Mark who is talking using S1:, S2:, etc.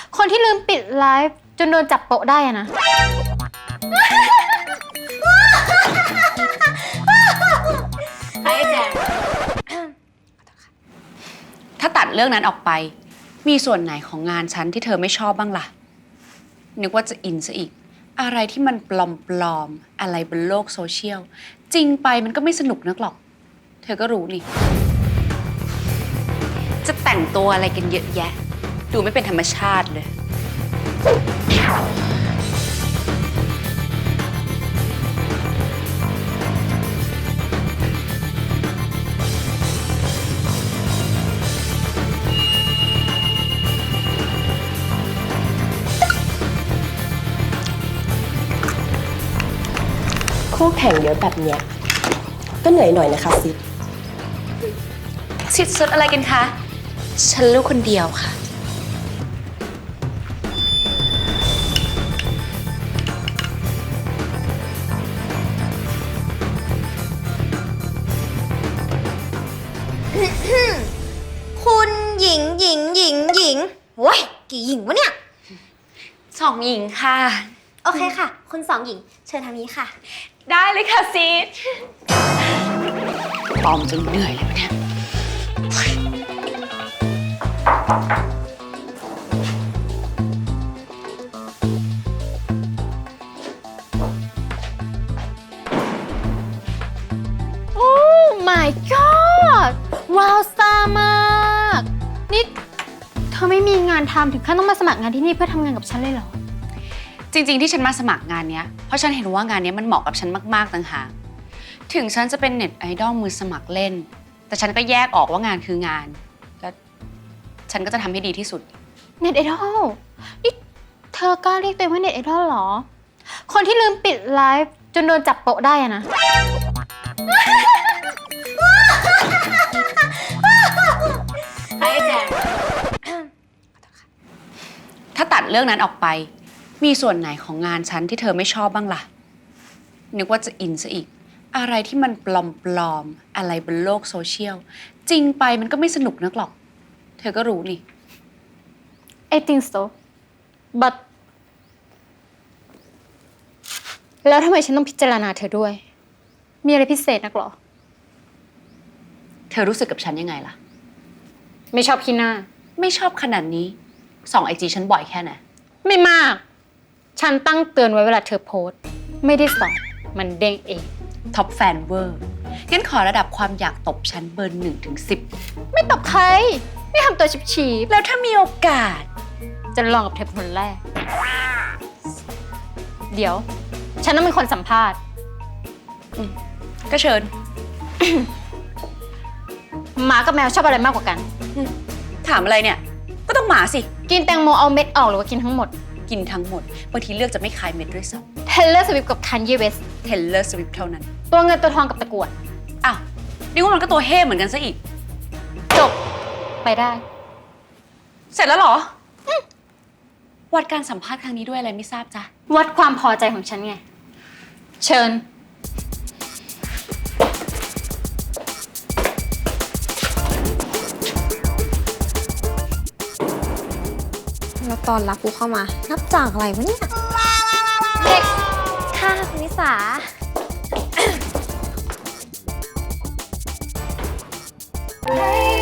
S1: คนที่ลืมปิดไลฟ์จนโดนจับโปะได้อะนะ
S2: ให้แจงถ้าตัดเรื่องนั้นออกไป มีส่วนไหนของงานฉันที่เธอไม่ชอบบ้างล่ะ นึกว่าจะอินซะอีก อะไรที่มันปลอมๆ อะไรบนโลกโซเชียล จริงไปมันก็ไม่สนุกนักหรอก เธอก็รู้นี่ จะแต่งตัวอะไรกันเยอะแยะ ดูไม่เป็นธรรมชาติเลย
S3: คู่แข่งเยอะแบบเนี้ยก็เหนื่อยหน่อยนะคะซิด
S2: สิทธิ์สุดอะไรกันคะ ฉันรู้คนเดียวค่ะ
S4: คุณหญิงโว้ยกี่หญิงวะเนี่ย
S2: สองหญิงค่ะ
S4: โอเคค่ะ คุณสองหญิง เชิญทางนี้ค่ะ
S2: ได้เลยค่ะซีดปลอมจนเหนื่อยเลยปะเนี่ย
S1: โอ้ my god ว้าวซ่ามาก นี่เธอไม่มีงานทำถึงขั้นต้องมาสมัครงานที่นี่เพื่อทำงานกับฉันเลยเหรอ
S2: จริงๆที่ฉันมาสมัครงานเนี้ย เพราะฉันเห็นว่างานเนี้ยมันเหมาะกับฉันมากๆต่างหากถึงฉันจะเป็นเน็ตไอดอลมือสมัครเล่น แต่ฉันก็แยกออกว่างานคืองาน แล้วฉันก็จะทำให้ดีที่สุด
S1: เน็ตไอดอลนี่เธอกล้าเรียกตัวเองว่าเน็ตไอดอลเหรอ คนที่ลืมปิดไลฟ์จนโดนจับโปะได้อะนะ
S4: ให้แจง
S2: ถ้าตัดเรื่องนั้นออกไป มีส่วนไหนของงานฉันที่เธอไม่ชอบบ้างล่ะ นึกว่าจะอินซะอีก อะไรที่มันปลอมๆ อะไรบนโลกโซเชียล จริงไปมันก็ไม่สนุกนักหรอก เธอก็รู้นี่
S1: I think so but แล้วทำไมฉันต้องพิจารณาเธอด้วย มีอะไรพิเศษนักหรอ
S2: เธอรู้สึกกับฉันยังไงล่ะ
S1: ไม่ชอบขี้หน้า
S2: ไม่ชอบขนาดนี้ส่องไอจีฉันบ่อยแค่ไหน
S1: ไม่มาก ฉันตั้งเตือนไว้เวลาเธอโพสต์ ไม่ได้ส่องมันเด้งเอง
S2: ท็อปแฟนเวอร์ งั้นขอระดับความอยากตบฉันเบอร์1 ถึง
S1: ไม่ตบใคร ไม่ทำตัวฉีบ
S2: 10 แล้วถ้ามีโอกาส
S1: ๆจะลองกับเธอเป็นคนแรก เดี๋ยว ฉันต้องเป็นคนสัมภาษณ์
S2: ก็เชิญ
S1: หมากับแมวชอบอะไรมากกว่ากัน
S2: ถามอะไรเนี่ย ก็ต้องหมาสิ
S1: กินแตงโมเอาเม็ดออกหรือว่ากินทั้งหมด
S2: กินทั้งหมด บางทีเลือกจะไม่คายเม็ดด้วยซ้
S1: Taylor Swift กับ Kanye West
S2: ำ Taylor Swift เท่านั้น
S1: ตัวเงินตัวทองกับตะกรวด
S2: อ้าวนี่ว่ามันก็ตัวเฮ่เหมือนกันซะอีก
S1: จบ ไปได้
S2: เสร็จแล้วเหรอ วัดการสัมภาษณ์ครั้งนี้ด้วยอะไรไม่ทราบจ้ะ
S1: วัดความพอใจของฉันไง เชิญ
S4: แล้วตอนรับกูเข้ามา นับจากอะไรวะเนี่ย
S1: เด็ก
S4: ค่ะคุณนิสา
S1: ให้